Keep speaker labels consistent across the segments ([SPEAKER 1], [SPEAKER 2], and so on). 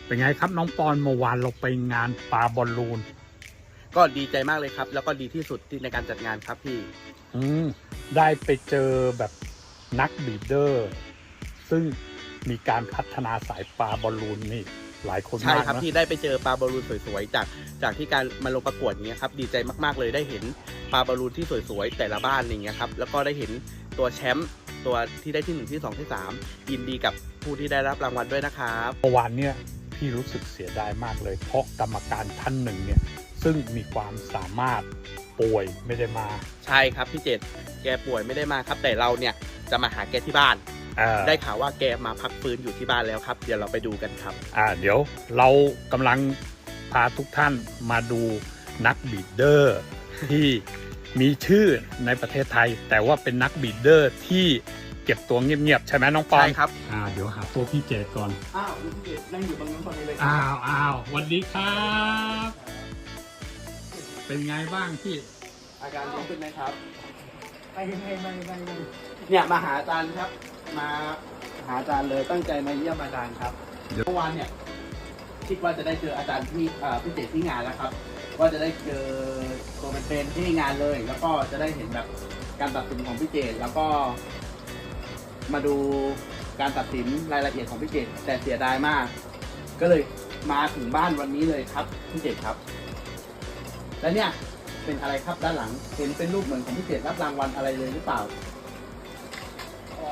[SPEAKER 1] เป็นไงครับน้องปอนเมื่อวานเราไปงานปาบอลลูน
[SPEAKER 2] ก็ดีใจมากเลยครับแล้วก็ดีที่สุดที่ในการจัดงานครับพี่
[SPEAKER 1] ได้ไปเจอแบบนักบีดเดอร์ซึ่งมีการพัฒนาสายปาบอลลูนนี่หลายคนมากนะ
[SPEAKER 2] ใช่ครับที่ได้ไปเจอปลาบอลลูนสวยๆจากที่การมาลงประกวดอย่างเงี้ยครับดีใจมากๆเลยได้เห็นปลาบอลลูนที่สวยๆแต่ละบ้านอย่างเงี้ยครับแล้วก็ได้เห็นตัวแชมป์ตัวที่ได้ที่1ที่2ที่3ยินดีกับผู้ที่ได้รับรางวัลด้วยนะครับ
[SPEAKER 1] เมื่อวานเนี่ยพี่รู้สึกเสียดายมากเลยเพราะกรรมการท่านหนึ่งเนี่ยซึ่งมีความสามารถป่วยไม่ได้มา
[SPEAKER 2] ใช่ครับพี่เจตแกป่วยไม่ได้มาครับแต่เราเนี่ยจะมาหาแกที่บ้านได้ข่าวว่าแกมาพักฟื้นอยู่ที่บ้านแล้วครับเดี๋ยวเราไปดูกันครับ
[SPEAKER 1] เดี๋ยวเรากำลังพาทุกท่านมาดูนักบีดเดอร์ที่มีชื่อในประเทศไทยแต่ว่าเป็นนักบีดเดอร์ที่เก็บตัวเงียบๆใช่ไหมน้องปอน
[SPEAKER 2] ใช่ครับ
[SPEAKER 1] เดี๋ยวหาตัวพี่เจตก่อน
[SPEAKER 2] พี่เจตนั่งอยู่ตรงนั้นตอนนี้เลย
[SPEAKER 1] สวัสดีครับเป็นไงบ้างพี่
[SPEAKER 2] อาการดีขึ้นไหมครับ
[SPEAKER 3] ไป
[SPEAKER 2] เนี่ยมาหาอาจารย์ครับมาหาอาจารย์เลยตั้งใจมาเยี่ยมอาจารย์ครับเมื่อวานเนี่ยคิดว่าจะได้เจออาจารย์ที่พี่เจตที่งานแล้วครับว่าจะได้เจอตัวเป็นๆที่งานเลยแล้วก็จะได้เห็นแบบการตัดสินของพี่เจตแล้วก็มาดูการตัดสินรายละเอียดของพี่เจตแต่เสียดายมาก ก็เลยมาถึงบ้านวันนี้เลยครับพี่เจตครับและเนี่ยเป็นอะไรครับด้านหลังเห็นเป็นรูปเหมือนของพี่เจตรับรางวัลอะไรเลยหรือเปล่า
[SPEAKER 3] อ๋อ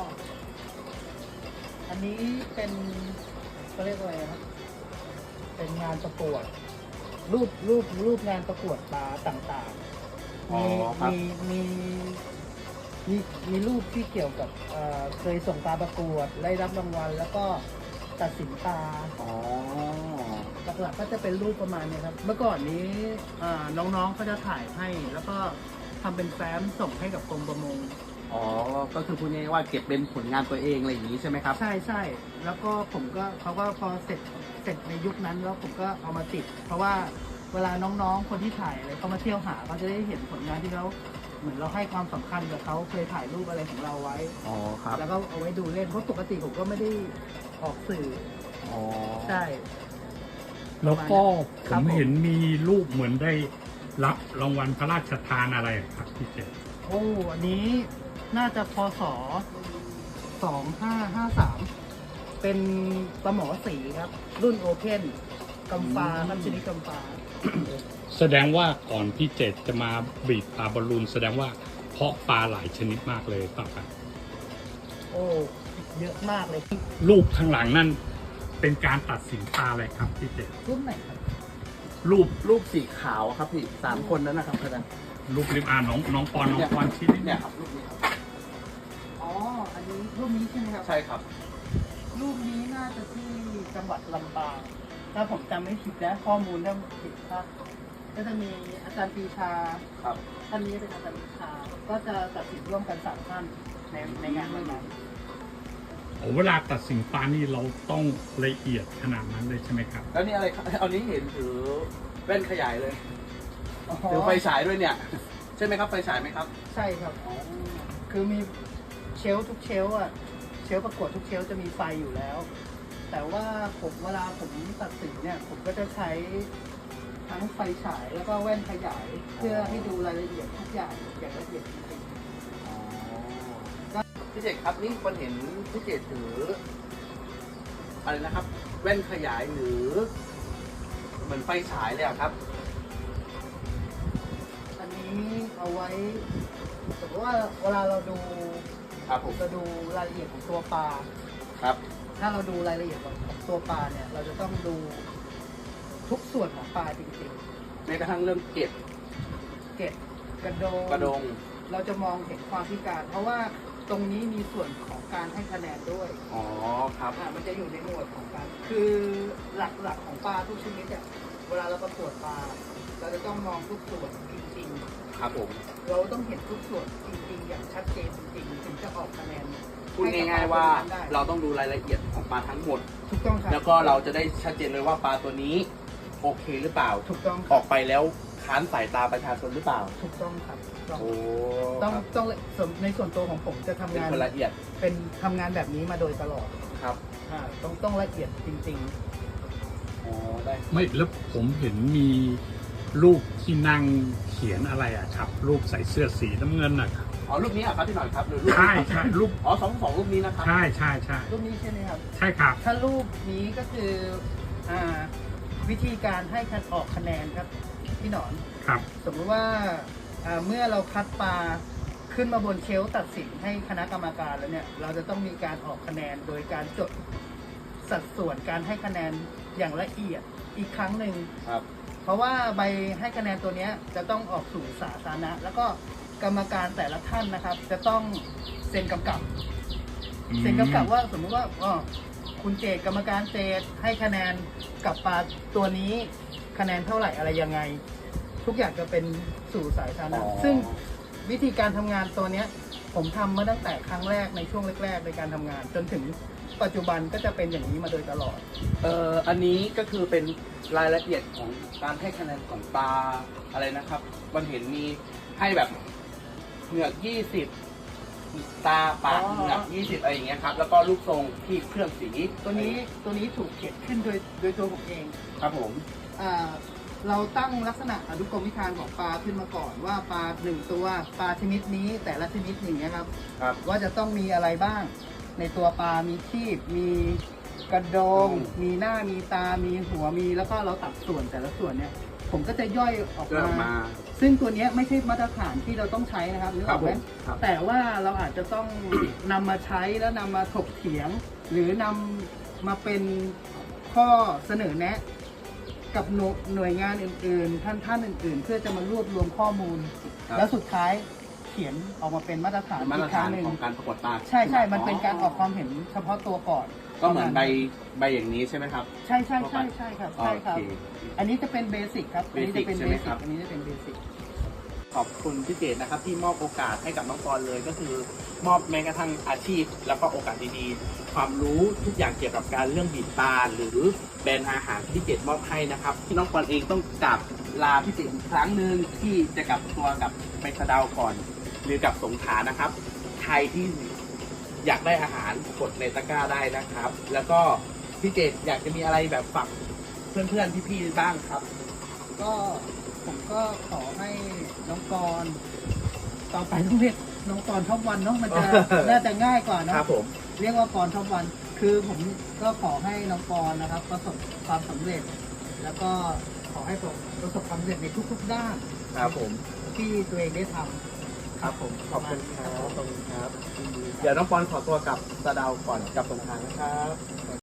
[SPEAKER 3] อันนี้เป็นเขาเรียกอะไรครับเป็นงานประกวดรูปงานประกวดปลาต่างๆมีรูปที่เกี่ยวกับเคยส่งปลาประกวดได้รับรางวัลแล้วก็ตัดสินปลาหลักๆก็จะเป็นรูปประมาณนี้ครับเมื่อก่อนนี้น้องๆเขาจะถ่ายให้แล้วก็ทำเป็นแฟ้มส่งให้กับกรมประมง
[SPEAKER 2] ก็คือพูดง่ายๆว่าเก็บเป็นผลงานตัวเองอะไรอย่างนี้ใช่ไหมครับ
[SPEAKER 3] ใช่แล้วก็เขาก็พอเสร็จในยุคนั้นแล้วผมก็เอามาติดเพราะว่าเวลาน้องๆคนที่ถ่ายอะไรเขามาเที่ยวหาเขาจะได้เห็นผลงานที่เขาเหมือนเราให้ความสำคัญกับเขาเคยถ่ายรูปอะไรของเราไว้
[SPEAKER 2] ครับ
[SPEAKER 3] แล้วก็เอาไว้ดูเล่นเพราะปกติผมก็ไม่ได้ออกสื่อใช่
[SPEAKER 1] แล้วก็ผมเห็นมีรูปเหมือนได้รับรางวัลพระราชทานอะไรครับพี่เจต
[SPEAKER 3] อันนี้น่าจะพศ2553เป็นปลาหมอสีครับรุ่นโอเพ่นกำปาครับชนิดกำปา
[SPEAKER 1] แสดงว่าก่อนพี่เจตจะมาบีดปลาบอลลูนแสดงว่าเพาะปลาหลายชนิดมากเลยเปล่าครับ
[SPEAKER 3] เยอะมากเลย
[SPEAKER 1] รูปข้างหลังนั่นเป็นการตัดสินปลาอะไรครับพี่เจต
[SPEAKER 3] รูปไหนครับ
[SPEAKER 2] รูปสีขาวครับพี่3 คนนั้นนะครับอาจารย์
[SPEAKER 1] รูปริมน้องปอนชิ้น
[SPEAKER 2] เนี่ยครับรูปนี้ครับ
[SPEAKER 3] อันนี้รูปนี้ใช่ไหมครับ
[SPEAKER 2] ใช่ครับ
[SPEAKER 3] รูปนี้น่าจะที่จังหวัดลำปางถ้าผมจำไม่ผิดนะข้อมูลถ้าผิดพลาดก็จะมีอาจารย์ปรีชา
[SPEAKER 2] ครับ
[SPEAKER 3] ท่านนี้เป็นอาจารย์ปรีชาก็จะตัดสินร่วมกัน3 ท่านในงานวันนั้น
[SPEAKER 1] เวลาตัดสินปลานี่เราต้องละเอียดขนาดนั้นเลยใช่ไหมครับ
[SPEAKER 2] แล้วนี่อะไรครับเอานี้เห็นถือแว่นขยายเลยถือไฟฉายด้วยเนี่ยใช่ไหมครับไฟฉายไหมครับ
[SPEAKER 3] ใช่ครับคือมีเชลทุกเชลเชลประกวดทุกเชลจะมีไฟอยู่แล้วแต่ว่าเวลาผมตัดสินเนี่ยผมก็จะใช้ทั้งไฟฉายแล้วก็แว่นขยายเพื่อให้ดูรายละเอียดทุกอย่างอย่างละเอียดจริง
[SPEAKER 2] ๆพี่เจตครับนี่คนเห็นพี่เจตถืออะไรนะครับแว่นขยายหรือเหมือนไฟฉายเลยครับ
[SPEAKER 3] อันนี้เอาไว้สมมติว่าเวลาเราดูผมจะดูรายละเอียดของตัวปลา
[SPEAKER 2] ครับ
[SPEAKER 3] ถ้าเราดูรายละเอียดของตัวปลาเนี่ยเราจะต้องดูทุกส่วนของปลาจริง
[SPEAKER 2] ๆแม้กระทั่งเรื่องเกล็ด
[SPEAKER 3] กระดงเราจะมองเห็นความพิการเพราะว่าตรงนี้มีส่วนของการให้คะแนนด้วย
[SPEAKER 2] ครับ
[SPEAKER 3] มันจะอยู่ในหมวดของการคือหลักของปลาทุกชนิดเนี่ยเวลาเราประกวดปลาเราจะต้องมองทุกส่วนจริง
[SPEAKER 2] ๆครับผม
[SPEAKER 3] เราต้องเห็นทุกส่วนจริงๆอย่างชัดเจนจริงๆถึงจะออกคะแนน
[SPEAKER 2] พูดง่ายๆว่าเราต้องดูรายละเอียดของปลาทั้งหมด
[SPEAKER 3] ถูกต้องครับ
[SPEAKER 2] แล้วก็เราจะได้ชัดเจนเลยว่าปลาตัวนี้โอเคหรือเปล่า
[SPEAKER 3] ถูกต้อง
[SPEAKER 2] ออกไปแล้วค้านสายตาประชาชนหรือเปล่า
[SPEAKER 3] ถูกต้องครับ
[SPEAKER 2] ต้อง
[SPEAKER 3] ในส่วนตัวของผมจะทำงาน
[SPEAKER 2] ละเอียด
[SPEAKER 3] เป็นทำงานแบบนี้มาโดยตลอด
[SPEAKER 2] ครับ
[SPEAKER 3] ต้องละเอียดจริง
[SPEAKER 1] ไม่แล้วผมเห็นมีรูปที่นั่งเขียนอะไรอะครับ รูปใส่เสื้อสีน้ำเงินนะครับ
[SPEAKER 2] อ๋อรูปนี้ครับพี่หน่อยครับหรือรูป
[SPEAKER 1] ใช่ใช่รูป
[SPEAKER 2] อ๋อสองรูปนี้นะครับ
[SPEAKER 1] ใช่ใช่ใช่
[SPEAKER 3] รูปนี้ใช่ไหมครับ
[SPEAKER 1] ใช่ครับ
[SPEAKER 3] ถ้ารูปนี้ก็คืออ่าวิธีการให้คัดออกคะแนนครับพี่หนอน
[SPEAKER 1] ครับ
[SPEAKER 3] สมมติว่าเมื่อเราคัดปลาขึ้นมาบนเชลฟ์ตัดสินให้คณะกรรมการแล้วเนี่ยเราจะต้องมีการออกคะแนนโดยการจดสัดส่วนการให้คะแนนอย่างละเอียดอีกครั้งหนึ่ง
[SPEAKER 2] ครับ
[SPEAKER 3] เพราะว่าใบให้คะแนนตัวเนี้ยจะต้องออกสู่สาธารณะแล้วก็กรรมการแต่ละท่านนะครับ จะต้องเซ็นกำกับ เซ็นกำกับว่าสมมุติว่าคุณเจตกรรมการเจตให้คะแนนกับปลาตัวนี้คะแนนเท่าไหร่อะไรยังไง ทุกอย่างจะเป็นสู่สายสาธารณะ
[SPEAKER 2] อ๋อ
[SPEAKER 3] ซึ่งวิธีการทำงานตัวเนี้ยผมทำมาตั้งแต่ครั้งแรกในช่วงแรกๆในการทำงาน จนถึงปัจจุบันก็จะเป็นอย่างนี้มาโดยตลอด
[SPEAKER 2] อันนี้ก็คือเป็นรายละเอียดของการให้คะแนนของปลาอะไรนะครับมันเห็นมีให้แบบเหงือก20ตาปาก
[SPEAKER 3] อ๋อ
[SPEAKER 2] เหงือก20อะไรอย่างเงี้ยครับแล้วก็รูปทรงที่เครื่องสี
[SPEAKER 3] ตัวนี้ถูกเขียนขึ้นโดยตัวผมเอง
[SPEAKER 2] ครับผม
[SPEAKER 3] อ่าเราตั้งลักษณะอนุกรมวิธานของปลาขึ้นมาก่อนว่าปลาหนึ่งตัวปลาชนิดนี้แต่ละชนิดอย่างเงี้ยครับ
[SPEAKER 2] ครับ
[SPEAKER 3] ว่าจะต้องมีอะไรบ้าง ในตัวปลา มีคีบมีกระโดง มีหน้ามีตา มีหัวมีแล้วก็เราตัดส่วนแต่ละส่วนเนี่ย ผมก็จะย่อยออก
[SPEAKER 2] เริ่ม
[SPEAKER 3] มา
[SPEAKER 2] มา
[SPEAKER 3] ซึ่งตัวเนี้ยไม่ใช่มาตรฐานที่เราต้องใช้นะครับนึกออกไหม
[SPEAKER 2] ครับผมครับ
[SPEAKER 3] แต่ว่าเราอาจจะต้อง นำมาใช้แล้วนำมาถกเถียง หรือนำมาเป็นข้อเสนอแนะ กับหน่วยงานอื่นๆ ท่านอื่น ๆ เพื่อจะมารวบรวมข้อมูล
[SPEAKER 2] ครับ
[SPEAKER 3] แล้วสุดท้ายเขียนออกมาเป็นมาตรฐาน
[SPEAKER 2] มาต
[SPEAKER 3] อี
[SPEAKER 2] ร
[SPEAKER 3] กครั้
[SPEAKER 2] ฐาง น
[SPEAKER 3] หนึ่ง
[SPEAKER 2] ของการประกวดปลา
[SPEAKER 3] ใช่ใช่มันเป็นการออกความเห็นเฉพาะตัวก่อน
[SPEAKER 2] ก็เหมือนใบอย่างนี้ใช่ไหมครับ
[SPEAKER 3] ใช่ใช่ใช่ใช่ครับใช่ครับ
[SPEAKER 2] โอเค
[SPEAKER 3] อันนี้จะเป็นเบสิกครับอันนี้จะเป็น
[SPEAKER 2] ใช่
[SPEAKER 3] เบ
[SPEAKER 2] ไหม
[SPEAKER 3] สิ
[SPEAKER 2] ครั
[SPEAKER 3] ก
[SPEAKER 2] บ
[SPEAKER 3] อันนี้จะเป็นเบสิก
[SPEAKER 2] ขอบคุณพี่เจตนะครับที่มอบโอกาสให้กับน้องปอนเลยก็คือ มอบแม้กระทั่งอาชีพ แล้วก็โอกาสดีๆ ความรู้ทุกอย่างเกี่ยวกับการเรื่องบีบปลาหรือแบรนด์อาหารที่พี่เจตมอบให้นะครับที่น้องปอนเองต้องกลับลาพี่เจตอีกครั้งหนึ่งที่จะกลับตัวกับไปสะเดาก่อน หรือกลับสงขลานะครับใครที่อยากได้อาหารกดในตะกร้าได้นะครับ แล้วก็พี่เจตอยากจะมีอะไรแบบฝากเพื่อนๆพี่ๆบ้างครับ
[SPEAKER 3] ก็ผมก็ขอให้น้องกรณ์ต่อไปต้องเรียกน้องกรณ์ท็อปวันเนาะมันจะ น่าจะง่ายกว่าเน
[SPEAKER 2] ค
[SPEAKER 3] อะ
[SPEAKER 2] รับผม
[SPEAKER 3] เรียกว่ากรท็อปวัน คือผมก็ขอให้น้องกรณ์นะครับ ประสบความสำเร็จ แล้วก็ขอให้ประสบความสำเร็จในทุกๆด้าน
[SPEAKER 2] ครับผม
[SPEAKER 3] ที่ตัวเองได้ทำ
[SPEAKER 2] ครับผมขอบคุณครับขอบคุณครับ เดี๋ยวน้องปอนขอตัวกลับสะเดาก่อนกลับสงขลานะครับ